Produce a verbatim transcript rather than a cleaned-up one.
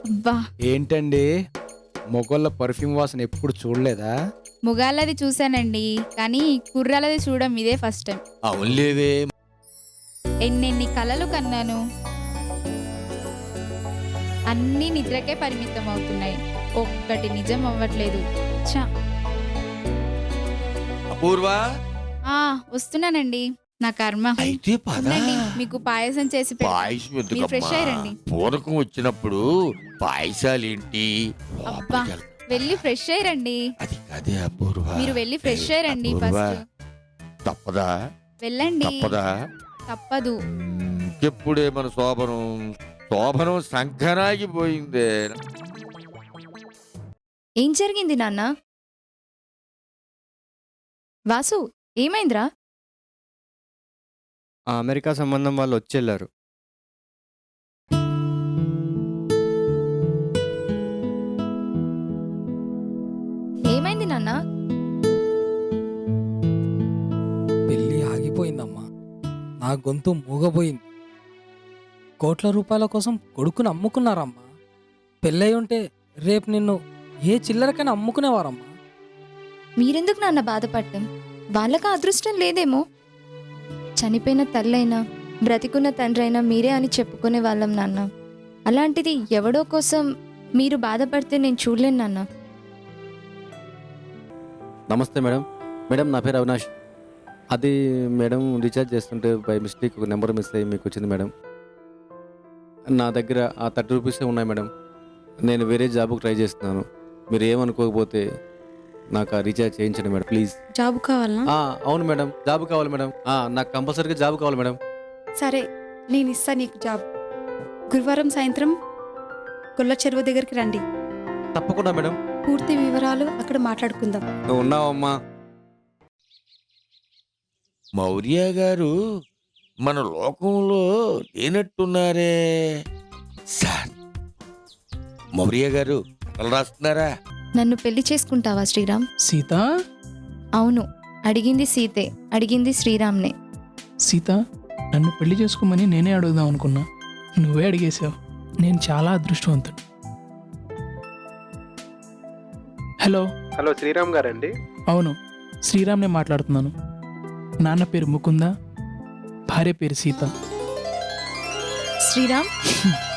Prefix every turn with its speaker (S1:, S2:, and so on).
S1: అబ్బా,
S2: ఏంటండి మొగోళ్ళ పర్ఫ్యూమ్ వాసన ఎప్పుడు చూడలేదా?
S1: ముగాళ్ళది చూశానండి, కానీ కుర్రాలది చూడడం ఇదే ఫస్ట్ టైం.
S3: అవునులేవే.
S1: ఎన్నెన్ని కలలు కన్నాను, అన్నీ నిద్రకే పరిమితం అవుతున్నాయి, ఒక్కటి నిజం అవ్వట్లేదు. ఛ!
S3: అపూర్వ,
S1: ఆ వస్తున్నానండి. నా కర్మ.
S3: అయితే పద.
S1: ఉండండి, మీకు పాయసం చేసి పెడతా.
S3: పాయసం
S1: మీరు ఫ్రెష్
S3: ఎందుకమ్మా?
S1: అయ్యండి.
S3: పూనకం వచ్చినప్పుడు పాయసాలేంటి?
S1: అబ్బా,
S3: లోపలికి వెళ్తా.
S1: వెళ్ళి ఫ్రెష్ అయ్యండి.
S3: అది కదే అపూర్వ.
S1: మీరు వెళ్ళి ఫ్రెష్
S3: ఏ,
S1: అయ్యండి
S3: అపూర్వ,
S1: ఫస్ట్.
S3: తప్పదా?
S1: వెళ్ళండి.
S3: తప్పదా?
S1: తప్పదు.
S3: ఎప్పుడే మన శోభనం శోభనం సంకనాగిపోయిందే.
S4: ఏం జరిగింది నాన్న? వాసు, ఏమైందిరా?
S5: ఆ అమెరికా సంబంధం వాళ్ళు వచ్చేళ్ళారు.
S4: ఏమైంది నాన్న?
S6: పెళ్ళి ఆగిపోయిందమ్మా. నా గొంతు మూగపోయింది. కోట్ల రూపాయల కోసం కొడుకుని అమ్ముకున్నారమ్మా. పెళ్ళై ఉంటే రేపు నిన్ను ఏ చిల్లరకైనా అమ్ముకునేవారమ్మా.
S4: మీరెందుకు నాన్న బాధపడటం? వాళ్ళకి అదృష్టం లేదేమో. చనిపోయిన తల్లైనా బ్రతికున్న తండ్రైనా మీరే అని చెప్పుకునే వాళ్ళం నాన్న. అలాంటిది ఎవడో కోసం మీరు బాధపడితే నేను చూడలేను నాన్న.
S7: నమస్తే మేడం. మేడం నా పేరు అవినాష్. అది మేడం రీఛార్జ్ చేస్తుంటే బై మిస్టేక్ ఒక నెంబర్ మిస్ అయ్యి మీకు వచ్చింది మేడం. నా దగ్గర ఆ థర్టీ రూపీసే ఉన్నాయి మేడం. నేను వేరే జాబ్కి ట్రై చేస్తున్నాను. మీరు ఏమనుకోకపోతే నాకు ఆ రీఛార్జ్ చేయించండి మేడం ప్లీజ్.
S8: జాబ్ కావాలనా?
S7: ఆ, అవును మేడం, జాబ్ కావాలి మేడం. ఆ, నాకు కంపల్సరీగా జాబ్ కావాలి మేడం.
S8: సరే, నేను ఇస్తా నీకు జాబ్. గురువారం సాయంత్రం గొల్ల చెరువు దగ్గరికి రండి.
S7: తప్పకుండా మేడం.
S8: పూర్తి వివరాలు అక్కడ మాట్లాడుకుందాం.
S7: నువ్వు ఉన్నావమ్మా.
S3: మౌర్య గారు మన లోకంలో లేనట్టున్నారే. సార్, మౌర్య గారు కథలు రాస్తున్నారా?
S4: నన్ను పెళ్లి చేసుకుంటావా శ్రీరామ్?
S6: సీత,
S4: అవును, అడిగింది సీతే, అడిగింది శ్రీరామ్నే.
S6: సీత, నన్ను పెళ్లి చేసుకోమని నేనే అడుగుదాం అనుకున్నా. నువ్వే అడిగేశావు. నేను చాలా అదృష్టవంతుడు. హలో.
S5: హలో, శ్రీరామ్ గారండి?
S6: అవును, శ్రీరామ్నే మాట్లాడుతున్నాను. నాన్న పేరు ముకుంద, భార్య పేరు సీత.
S4: శ్రీరామ్,